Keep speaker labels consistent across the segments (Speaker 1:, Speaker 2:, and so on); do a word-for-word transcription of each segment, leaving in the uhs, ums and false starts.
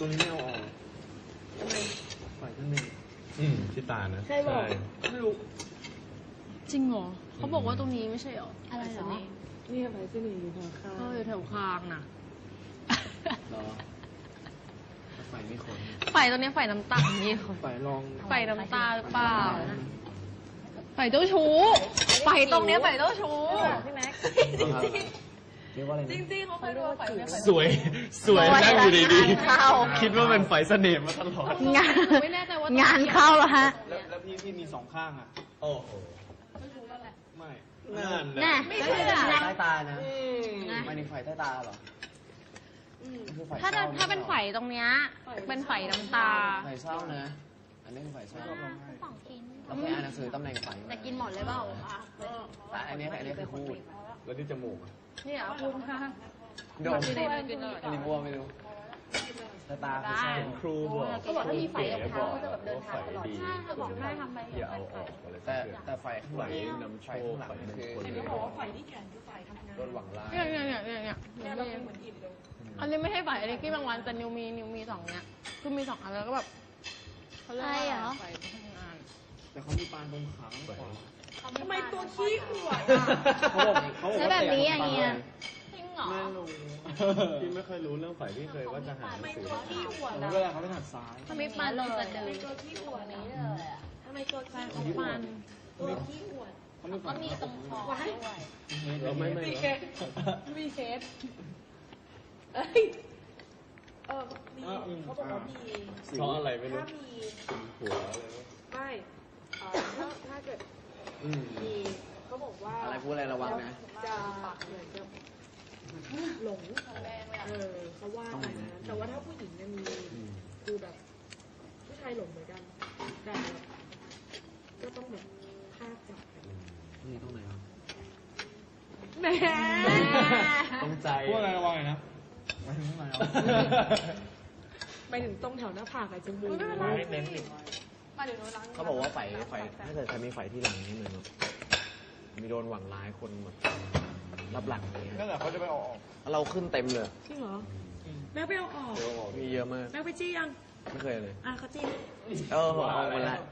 Speaker 1: ตัวนี้ไม่เอาออกไฟข้างในอืมที่ตานะใช่ไม่รู้
Speaker 2: จริงเหรอเขาบอกว่าตรงนี้ไม่ใช่เหรออะไรเหรอ
Speaker 3: นี่ไฟเส้นอยู่แถวข้าง
Speaker 2: ก็อยู่แถวคางน่ะ
Speaker 1: หรอไฟไม่ขน
Speaker 2: ไฟตรงนี้ไฟน้ำตาลนี่
Speaker 1: ไฟลอง
Speaker 2: ไฟน้ำตาหรือเปล่าไฟเจ้าชู้ไฟตรงนี้ไฟเจ้าชู้พี่แม็ก
Speaker 1: เรียกว่าอะไร
Speaker 2: จริงๆเขาเคยดูไฟ
Speaker 1: สวยสวยนั่งอยู่ดีๆคิดว่าเป็นไฟเสน่ห์มาตลอด
Speaker 2: งานไม่แน่ใจว่างานเข้าแล้วฮะ
Speaker 1: แล้วพี่พี่มีสองข้างอ่ะโอ้โหไม่รู้แล้วแหละไม่
Speaker 2: นั่นไม่ใช่
Speaker 1: ใต้ตานะไม่ในไฟใต้ตาหรอ
Speaker 2: ถ้าถ้าเป็นไฟตรงเนี้ยเป็นไฟน้ำตา
Speaker 1: ไฟเศร้านะอันนี้คือไฟเศร้าเราเคยอ่านหนังสือตำแหน่งไฟ
Speaker 2: แต่กินหมดเลยเปล่า
Speaker 1: แต่อันนี้อันนี้คือพูดแล้วที่จมูก
Speaker 2: นี่เหรอคุณค่ะ
Speaker 1: โดนอันนี้บัวไม่รู้ตาตาคือครูบอก
Speaker 2: เขาบอกถ้ามีไฟกับเขาจะแบบเดินทางตลอดใช่เขาบอกแม่ทำไป
Speaker 1: อย่าเอาออกแต่แต่ไฟข้างหลังนำโชว์ไฟคือ
Speaker 3: เขาบอกว่าไฟที่แขนคือไฟทำงาน
Speaker 1: โดนหวังร้าย
Speaker 2: เนี่ยเนี่ยเนี่ยเนี่ยเนี่ยเหมือนอิ่มเลยอันนี้ไม่ใช่ไฟอันนี้ที่บางวันแต่นิวมีนิวมีสองเนี้ยคือมีสองอันแล้วก็แบบเขาเรียกว่าไฟทำงาน
Speaker 1: แต่เขามีปานตรงขาก่อน
Speaker 3: ทำไมตัวขี้ขวด
Speaker 1: เขาบอกเขาบอก
Speaker 2: ใช่แบบนี้อย่างเงี้ยจริงเหรอ
Speaker 1: ไม่รู้พี่ไม่เคยรู้เรื่องไฟที่เคยว่าจะหาหนังสือเวลาเขาไปหัดซ้าย
Speaker 2: ทำไมปานเลยจะเดิน
Speaker 3: ตัวขี้ขวดนี้เลยอ่ะทำไมตัวขี้ขวด
Speaker 2: ปาน
Speaker 3: ตัวขี้ขวด
Speaker 2: ก็มีตรงคอด้วย
Speaker 1: เราไม่ไม่
Speaker 3: มีเคสมีเคสเอ้ยเออมีเขาบอกว่ามี
Speaker 1: เพราะอะไรไม่รู้
Speaker 3: ถ้ามี
Speaker 1: หัวอะไร
Speaker 3: ไม่ถ้าถ้าเกิดมีเขาบอกว่า
Speaker 1: อะไรพูดอะไรระวังนะ
Speaker 3: จะเหมือนจะหลงเออเขาว่าไปนะแต่ว่าถ้าผู้หญิงเนี่ยมีคือแบบผู้ชายหลงเหมือนกันแต่ก็ต้องแบบภาพจับ
Speaker 1: นี่ตรงไหนครับ
Speaker 3: แหม
Speaker 1: ตรงใจพูดอะไรระวังนะไม่ถึงไหน
Speaker 3: ไปถึงตรงแถวหน้าผากไอ้จมูก
Speaker 1: เน้นอีกเขาบอกว่าไฟไฟถ้าเกิดใครมีไฟที่หลังนี่เหมือนมีโดนหวังร้ายคนแบบรับหลังอะไรเงี้ยนั่นแหละเขาจะไปออกเราขึ้นเต็มเลย
Speaker 3: จริงเหรอแม่ไปเอาออก
Speaker 1: มีเยอะมาก
Speaker 3: แม่ไปจี้ยัง
Speaker 1: ไม่เคยเลย
Speaker 3: อ่ะเขาจี้
Speaker 1: เออเอาไปละ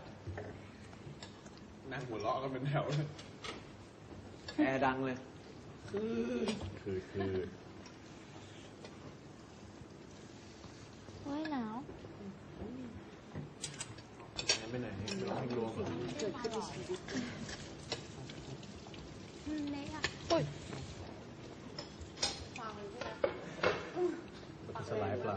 Speaker 1: นั่งหัวเราะกันเป็นแถวเลยแอร์ดังเลยคือคือคือ
Speaker 2: โอ้ยหนาว
Speaker 1: ไปไหนร้องรวม
Speaker 3: เกิดขึ้นในชีวิต
Speaker 2: เละอ่ะอุ้ย
Speaker 1: สลายปลา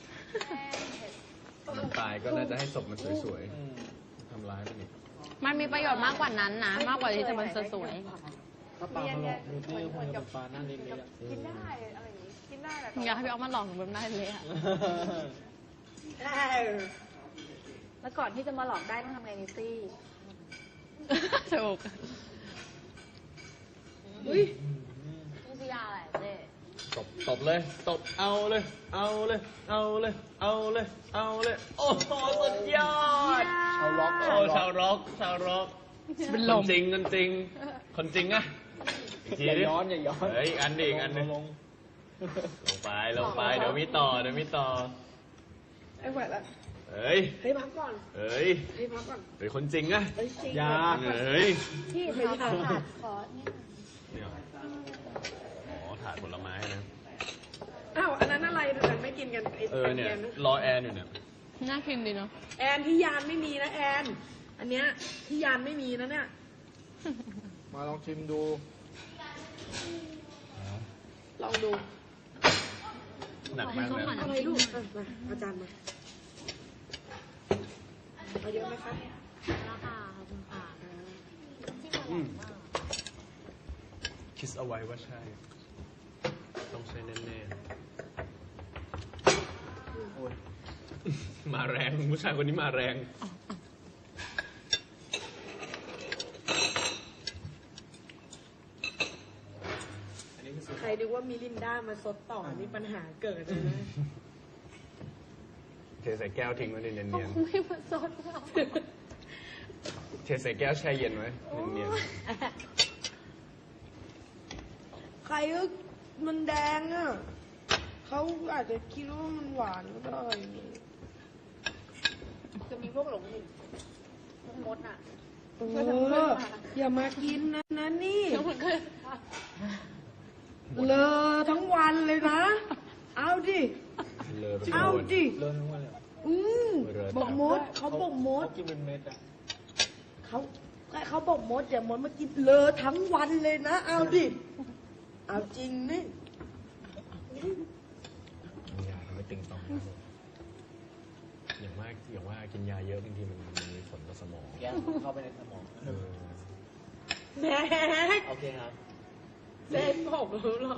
Speaker 1: มันตายก็น่าจะให้ศพมันสวยๆทำร้ายมันอีก
Speaker 2: มันมีประโยชน์มากกว่านั้นนะมากกว่าที่จะมันสวย
Speaker 1: ถ้าปลามาหลอกดูที่เหมือนกับปลาหน้าเล็ก
Speaker 3: ๆกินได้อะไรอย่างนี้กินได้แหละ
Speaker 2: อยากให้พี่เอามาหลอกหนูแบบนั้นเลยอะ
Speaker 3: แล้วก่อนที่จะมาหลอกได้ต้องทำไงนิตี้
Speaker 2: ถูก
Speaker 3: อุ้ย
Speaker 2: นี่คือยาอะไรเจ๊
Speaker 1: ตบตบเลยตบเอาเลยเอาเลยเอาเลยเอาเลยเอาเลยโอ้โหสุดยอดชาวร็อกโอ้ชาวร็อกชาวร็อกเป็นลมจริงกันจริงคนจริงอะอย่าย้อนอย่าย้อนเฮ้ยอันดีอันนึงลงไปลงไปเดี๋ยวมีต่อเดี๋ยวมีต่อ
Speaker 3: ไอ้แหวนละ
Speaker 1: เฮ้ย
Speaker 3: ให้พักก่อน
Speaker 1: เฮ้ย
Speaker 3: ให้พักก่อน
Speaker 1: เป็นคนจริงอะยาเฮ้ย
Speaker 3: พี่เคยทานถาดขอ
Speaker 1: เนี่ยอ๋อถาดผลไม้นะ
Speaker 3: อ้าวอันนั้นอะไรแต่ไม่กินกัน
Speaker 1: เออเนี่ยรอแอนอยู่เนี่ย
Speaker 2: น่ากินดีเนาะ
Speaker 3: แอนที่ยานไม่มีนะแอนอันเนี้ยที่ยานไม่มีนะเนี่ย
Speaker 1: มาลองชิมดู
Speaker 3: ลองดู
Speaker 1: หนักมากเลย
Speaker 3: อะไรลูกมาอาจารย์มาเอาเยอะไหมคะ
Speaker 2: ราคาคุณค่ะ
Speaker 1: คิดเอาไว้ว่าใช่ต้องใช้แน่ๆมาแรงผู้ชายคนนี้มาแรง
Speaker 3: ใครดูว่ามิลินดามาซดต่อนี่ปัญหาเกิดเลยนะ
Speaker 1: เทใส่แก้วทิ้งไว้เนียนๆ
Speaker 2: ไม่มาซด
Speaker 1: เทใส่แก้วแช่เย็นไว้เนียน
Speaker 3: ๆใครก็มันแดงอ่ะเขาอาจจะคิดว่ามันหวานก็ได้พวกหลงหินพวกมดอ่ะ
Speaker 4: เอออย่ามากินนะนะนี่
Speaker 2: แล้วมันก็
Speaker 4: เลอทั้งวันเลยนะ เอาดิ
Speaker 1: เลอะไป
Speaker 4: เอา
Speaker 1: หมด
Speaker 4: ดิ
Speaker 5: เลิกทั้งวันเลยเหรอ
Speaker 4: อืม
Speaker 1: เลอะ
Speaker 4: บอกมดเขาบอกมด
Speaker 5: เขากินเป็นเม็ดอะ
Speaker 4: เขาเขาบอกมดอย่ามดมากินเลอทั้งวันเลยนะ เอาดิ เอาจริงนี่
Speaker 1: มียาทำให้ตึงต้องนะอย่างมากอย่างว่ากินยาเยอะบางทีมันมันมีผลต่อสมอง
Speaker 5: แก๊สเข้าไปในสมอง
Speaker 1: เออ
Speaker 3: แม่
Speaker 5: โอเคครับ
Speaker 3: เล่นผมรู้หรอ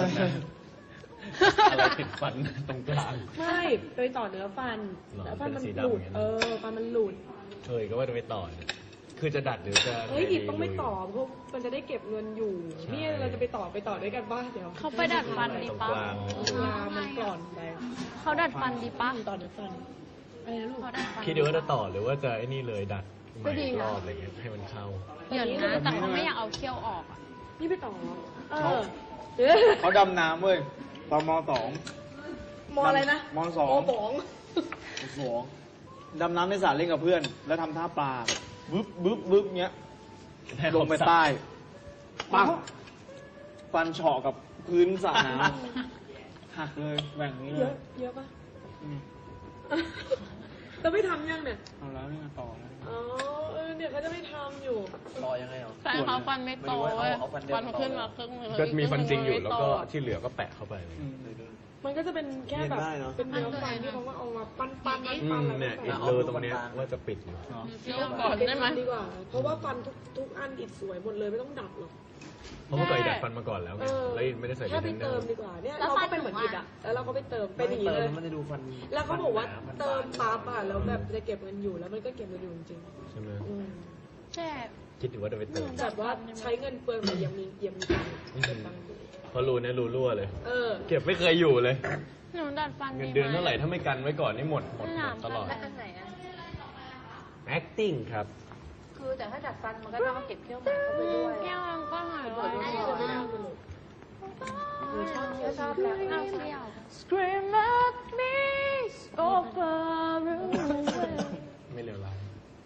Speaker 1: อะไรติดฟันตรงกลาง
Speaker 3: ไม่ไปต่อเนื้อฟัน
Speaker 1: หรอ
Speaker 3: แล้วฟันมัน
Speaker 1: เป็นสี
Speaker 3: หลุด
Speaker 1: ดำอย่างนั้น
Speaker 3: เออฟันมันหลุด
Speaker 1: เคยก็ว่าจะไปต่อเนี่ยคือจะดัดหรือจะ
Speaker 3: เฮ้ยหยิบต้องไปต่อเพราะมันจะได้เก็บเงินอยู่ นี่เราจะไปต่อไปต่อด้วยกันบ้างเดี๋ยว
Speaker 2: เขาไปดัดฟันดี
Speaker 1: ตรง
Speaker 2: ปะ
Speaker 1: กลาง
Speaker 3: งามันกร่อนไป
Speaker 2: เขาดัดฟันดีปะ
Speaker 3: ต่อเนื้อฟันอะไรนะลูก
Speaker 2: เขาดัดฟัน
Speaker 1: คิดดูว่าจะต่อหรือว่าจะไอ้นี่เลยดัดให
Speaker 2: ก็
Speaker 1: ม่
Speaker 2: ดี
Speaker 1: อีก
Speaker 2: นะ
Speaker 1: รอบอะไรเงี้ยให้มันเข้า
Speaker 2: เดี๋ยวนะแต่เขาไม่อยากเอาเขี้ยวออกอะ
Speaker 3: นี่ไปต่อเออ
Speaker 5: เขาดำน้ำเว้ยตอนมสอง
Speaker 3: มออะไรนะ
Speaker 5: มสอง
Speaker 3: มบอง
Speaker 5: มสองดำน้ำในสระเล่นกับเพื่อน แล้วทำท่าปลาบึ๊บบึ๊บบึ๊บเงี้ย ลงไปใต้ปังฟันเฉาะกับพื้นสระน้ำหักเลยแหว่งนี้เล
Speaker 3: เย
Speaker 5: ย
Speaker 3: อะเยอะปะ
Speaker 5: อืม
Speaker 3: จะไม่ทำยังเนี่ย
Speaker 5: เอาแล้วนี่มาต่อแล้ว
Speaker 3: อ๋อเออเนี่ยเขาจะไม่ทำอยู่
Speaker 5: รอยังไงเหรอ
Speaker 2: แฟนเขาฟันไม่โตเว้ย
Speaker 5: เอาฟันเดิม
Speaker 2: ฟันเขาขึ้นมาครึ่งหนึง
Speaker 1: ก็มีฟันจริงอยู่แล้วก็
Speaker 2: ไม่โต
Speaker 1: ที่เหลือก็แปะเข้าไป
Speaker 5: อืม
Speaker 3: มันก็จะเป็นแค่แบบ
Speaker 5: เห็นได้เนอะ
Speaker 3: เป็นเนื้อฟันที่เขาว่าเอามาปั้นปั้นปั้น
Speaker 1: อื
Speaker 3: ปั้น
Speaker 1: ม
Speaker 3: แล้ว
Speaker 1: เนี่ย
Speaker 3: ก็
Speaker 1: อี
Speaker 3: ใส่
Speaker 1: กเลอตรงเนี้ยว่าจะปิดอยู่
Speaker 5: เนาะ
Speaker 2: เขี้ยวก่อนได้ไหม
Speaker 3: ดีกว่า เพราะว่าฟันทุกทุกอันอิดสวยหมดเลยไม่ต้องดัดหรอก
Speaker 1: เพราะเมื่อก่อนดัดฟันมาก่อนแล้วไง
Speaker 3: เออ
Speaker 1: แล้วไม่ได้ใส่
Speaker 3: แค่ไป
Speaker 1: เทนเนอ
Speaker 3: เติม
Speaker 1: ร์
Speaker 3: ดีกว่าเนี่ย
Speaker 2: แล้ว
Speaker 3: เรา
Speaker 2: ฟั
Speaker 3: ก็
Speaker 2: น
Speaker 3: เป็นเหมือน
Speaker 2: หนู
Speaker 3: อิด
Speaker 2: อะ
Speaker 3: อ่ะแล้วเราก็ไปเติมเป็นอย่างนี้เลย
Speaker 5: มันจะดูฟัน
Speaker 3: แล้วเขาบอกว่า
Speaker 5: ฟันหนฟัน
Speaker 3: เติม
Speaker 5: บาง
Speaker 3: ปั๊บอ่ะแล้วแบบจะเก็บเงินอยู่แล้วมันก็เก็บเงินอยู่จริง
Speaker 1: ใช่ไหม
Speaker 3: ๆอืม
Speaker 2: ใช่
Speaker 1: คิดถึงว่าจะไปเติม
Speaker 3: แบบว่าใช้เงินเปลืองแต่ยังมียังมีตังค์เก็บตังค์อยู่
Speaker 1: เพราะรูเนี่ยรูรั่วเลย
Speaker 3: เออ
Speaker 1: เก็บไม่เคยอยู่เลย
Speaker 2: หนูดัดฟัน
Speaker 1: เงินเดือนเท่าไหร่ถ้าไม่กันไว้ก่อนนี่หมดหมด
Speaker 2: ห
Speaker 1: หม
Speaker 2: นาม
Speaker 1: ดตลอด
Speaker 2: ฟันไหนอะ
Speaker 1: acting ครับ
Speaker 6: คือแต่ถ้าดัดฟันมันก็ต้องเอาเก็บเขี้ยวหมาเข้าไปด้วย
Speaker 2: เขี้ยวมันก็หายไป
Speaker 3: ไม่ได้ไม่ได้ไม่ได้หนูชอบ
Speaker 6: ก็ชอบแล้ว
Speaker 2: เอาเขี้ยว Scream at me so far away
Speaker 1: ไม่เลวร้าย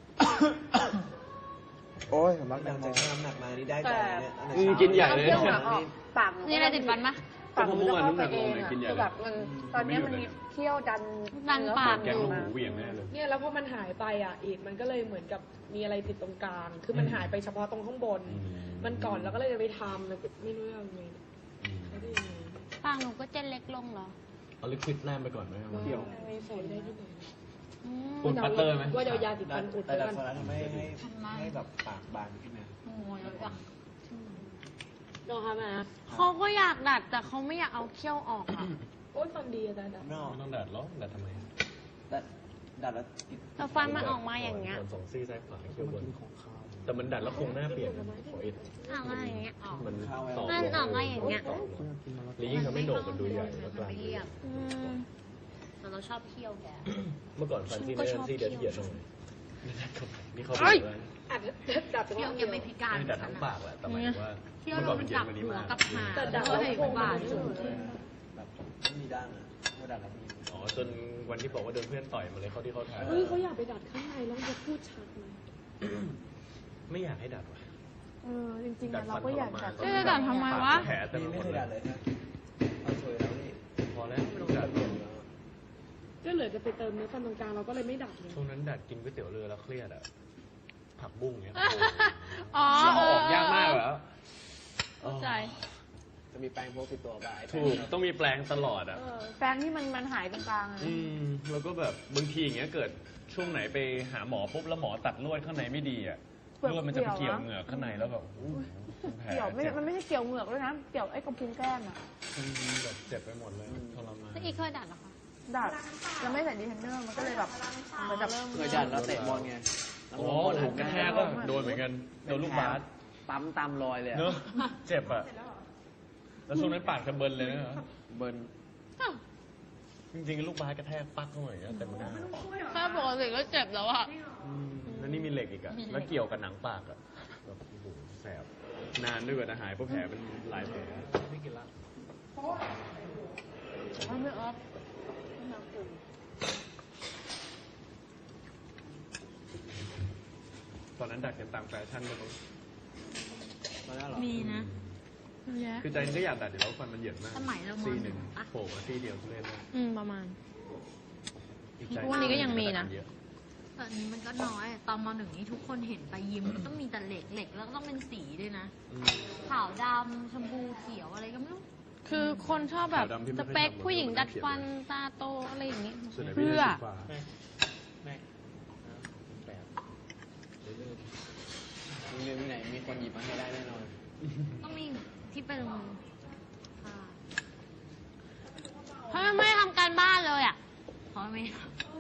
Speaker 5: โอ้ยสำลักแตงโมน้ำหนักมานี่ได้ใจเนี่ย
Speaker 1: อืมกินใหญ่เลย
Speaker 6: เขี้ยวหมาออกปาก
Speaker 2: นี่อะไรติดฟันปะ
Speaker 6: ปากมันจะเข้าไปเอง
Speaker 1: เมื่อวานน้ำหนักลงเลยกินใหญ่
Speaker 6: คือแบบมันตอนเนี้ยมันมีเขี้ยวดัน
Speaker 2: ดันปาก
Speaker 1: แกงลูกหมูเหวี่ยงแน่เลย
Speaker 3: เนี่ยแล้วพอมันหายไปอ่ะอีกมันก็เลยเหมือนกับมีอะไรติดตรงกลาง คือมันหายไปเฉพาะตรงข้างบน
Speaker 1: อืม
Speaker 3: มันก่อนแล้วก็เลยจะไปทำแล้วก็ไม่รู้ยังไง
Speaker 1: อืม
Speaker 3: ไม่ได้ยังไง
Speaker 2: ปากหนูก็จะเล็กลงเหรอ
Speaker 1: เอาลิควิดแนมไปก่อนไหมครับ
Speaker 5: เกี่ยว
Speaker 3: มีผลได้ที่ไหน
Speaker 2: อืม
Speaker 1: คุณปัตเตอร์ไหม
Speaker 3: ว่าเดี๋ยวยาติดฟันอุด
Speaker 5: แต่
Speaker 3: ไว้
Speaker 5: ดัด
Speaker 3: กัน
Speaker 5: ฟันแล้วทำให้ให้ให้แบบปากบางขึ้นนะ
Speaker 2: โอ้ยแล้วจ้ะ
Speaker 3: ลองทำนะ
Speaker 2: เขาก็อยากดัดแต่เขาไม่อยากเอาเขี้ยวออกอะ
Speaker 3: โอ๊ยฟันดีอาจารย์
Speaker 5: ไม่ออก
Speaker 1: ไม่ต้องดัดหรอกดัดทำไม
Speaker 5: ดัดดัดแล้วติด
Speaker 2: แต่ฟันมันออกมาอย่างเงี้ย
Speaker 1: ส่วนสองซี่ซ้ายขวาเขี้ยวบน
Speaker 5: กินของข้าว
Speaker 1: แต่มันดัดแล้วคงหน้าเปลี่ยนนะขอเอ็ด
Speaker 2: ออกมาอย่างเงี้ยออก
Speaker 1: มันต่อ
Speaker 2: มันออกมาอย่างเงี้ย
Speaker 1: หรือยิ่งทำให้โหนกมันดูใหญ่แล้วกลาง
Speaker 2: ไม่เรียบอืมแต่เราชอบเขี้ยวแก
Speaker 1: เมื่อก่อนฟันซี่
Speaker 2: ก็
Speaker 1: นี่
Speaker 2: ชอบ
Speaker 1: ซี่เดียว
Speaker 2: เขี้
Speaker 1: เที
Speaker 2: ย
Speaker 1: ยว ดหน่อยนี่เขาบ
Speaker 2: เอ้
Speaker 1: อก
Speaker 2: ย
Speaker 1: ว่า
Speaker 3: อาจจะดัดเฉ
Speaker 2: เขี้ยว
Speaker 3: พาะ
Speaker 2: แกไม่พิการ
Speaker 1: ไม่ดัดทั้งปากแหละแต่หมายถึงว่า
Speaker 2: เขี้ยว
Speaker 1: เมื่อ
Speaker 2: ล
Speaker 1: ก่อน
Speaker 2: ง
Speaker 1: เป็นเจ
Speaker 2: จั
Speaker 1: น
Speaker 2: บ
Speaker 1: มันนี้
Speaker 2: หัว
Speaker 1: มาก
Speaker 2: กับหาง
Speaker 3: แต่ดัด
Speaker 2: ก็
Speaker 3: แล้ว
Speaker 2: เห็น
Speaker 3: โครง
Speaker 2: บา
Speaker 3: มั
Speaker 2: ด
Speaker 3: นสูงขึ้น
Speaker 5: แบบไม่มีด้านอะว่าดัดแล้วมี
Speaker 1: อ๋อจนวันที่บอกว่าโดนเพื่อนต่อยมาเลยเขาที่เขาทาย
Speaker 3: เฮ้ยเขาอยากไปดัดข้างในแล้วมันจะพูดชัดไหม
Speaker 1: ไม่อยากให้ดัดว่ะ
Speaker 6: เออจริงๆอะเราก็อยากดัด
Speaker 2: จะจะดัดทำไมวะ
Speaker 1: แผลเต็ม
Speaker 5: นี่
Speaker 1: ไปห
Speaker 5: ไม่
Speaker 1: ม
Speaker 5: เค
Speaker 1: ด
Speaker 5: ย
Speaker 1: เล
Speaker 5: ดัด
Speaker 1: ย
Speaker 5: เลยนะเอาสวยแล้วนี่
Speaker 1: พอแล้วไม่ต้องดัด
Speaker 3: ก็เหลือจะไปเติมเนื้อฟันตรงกลางเราก็เลยไม่ดัดเลย
Speaker 1: ช่วงนั้นดัดกินก๋วยเตี๋ยวเรือแล้วเครียดอ่ะผักบุ้งเงี้ย
Speaker 2: อ๋อ
Speaker 1: เอา
Speaker 2: เอ
Speaker 1: อ
Speaker 2: อ
Speaker 1: อกยากมากเหรอ
Speaker 2: เข้าใจ
Speaker 5: จะมีแปรงโพกติดตัวบ่าย
Speaker 1: ถูกต้องมีแปลงตลอดอ่ะ
Speaker 6: แฟนที่มันมันหายตรงกลางอะ
Speaker 1: อืมแล้วก็แบบบางทีอย่างเงี้ยเกิดช่วงไหนไปหาหมอปุ๊บแล้วหมอตัดลวดข้างในไม่ดีอ่ะลวดมันจะไปเกี่ยวเหงือกข้างในแล้วแบบอู้หูแผล
Speaker 6: เกี่ยวไม่
Speaker 1: เจ็บ
Speaker 6: มันไม่ใช่เกี่ยวเหงือกด้วยนะ เกี่ยวไอ้กระพุ้งแก้มอะ
Speaker 1: อืมแบบเจ็บไปหมดเลยทรมาน
Speaker 2: แล้วอีกเคยดัดเหรอคะ
Speaker 6: ดัดแล้วไม่ใส่ดีเทนเนอร์มันก็เลยแบบเหมือนแบบ
Speaker 5: เคยดัดแล้วเตะบอลไง
Speaker 1: โอ้ถูกกระแทกก็โดนเหมือนกันโดนลูกบาส
Speaker 5: ปั๊มตามรอยเลยอะ
Speaker 1: เนอะเจ็บอ่ะแล้วช่วงนั้นปากจะเบิร์นเลยนะ
Speaker 5: เบิร์น
Speaker 2: อ้าว
Speaker 1: จริงๆลูกบาสกระแทกปักเข้ามาอย่างเงี้ยเต็มหน้า
Speaker 2: แค่ปกติก็เจ็บแล้วอะ
Speaker 1: อืมแล้วนี่มีเหล็กอีกอะแล้วเกี่ยวกับหนังปากอะแบบโอ้โหแสบนานด้วยกว่าจะหายเพราะแผลเป็นหลายแผลไม่กินละ
Speaker 2: ไม่ออฟ
Speaker 1: อนนั้นดัดกันตามแฟชั่นกันตรง
Speaker 5: มาแล้วเหรอ
Speaker 7: มีนะ
Speaker 2: เยอะ
Speaker 1: คือใจนึงก็อยากดัดอยู่แล้วฟันมันเหยียดมาก
Speaker 7: สมัยเราม
Speaker 1: ซี่
Speaker 7: ห
Speaker 1: ห
Speaker 7: นึ่
Speaker 1: นึ่
Speaker 7: ง
Speaker 1: ง
Speaker 7: ปะ
Speaker 1: โผล่มาซี่เดียวทุเรศมาก
Speaker 2: อืมประมาณ
Speaker 1: อีกใจ
Speaker 2: ทุกวันนี้ก็ยังมีนะ
Speaker 1: เยอ
Speaker 7: ตอนนี้มันก็น้อย ตอนมหนึ่งนี่ทุกคนเห็นไปยิมต้องมีแต่เหล็กเหล็กแล้วก็ต้องเป็นสีด้วยนะ
Speaker 1: อืม
Speaker 7: ขาวดำชมพูเขียวอะไรก็ไม่รู้
Speaker 2: คือคนชอบแบบ
Speaker 1: ขาวดำที่ไม่
Speaker 2: ส
Speaker 1: ค่อย
Speaker 2: เปค
Speaker 1: ทำ
Speaker 2: ผู้หญิง
Speaker 1: มัน
Speaker 2: ดัด
Speaker 1: เขียน
Speaker 2: ฟัน
Speaker 1: เลย
Speaker 2: ตาโตอะไรอย่างนี้
Speaker 1: ส่วนใหญ่พี่
Speaker 2: เพื่
Speaker 1: จะ
Speaker 2: อ
Speaker 1: สีฟ้า
Speaker 5: แม่แบบโรงเรียนที่ไหนมีคนหยิบมาให้ได้แน่นอน
Speaker 7: ต้องมีที่เป็นค่ะ
Speaker 2: เพราะมันไม่ทำการบ้านเลยอ่ะ
Speaker 7: เพราะไม่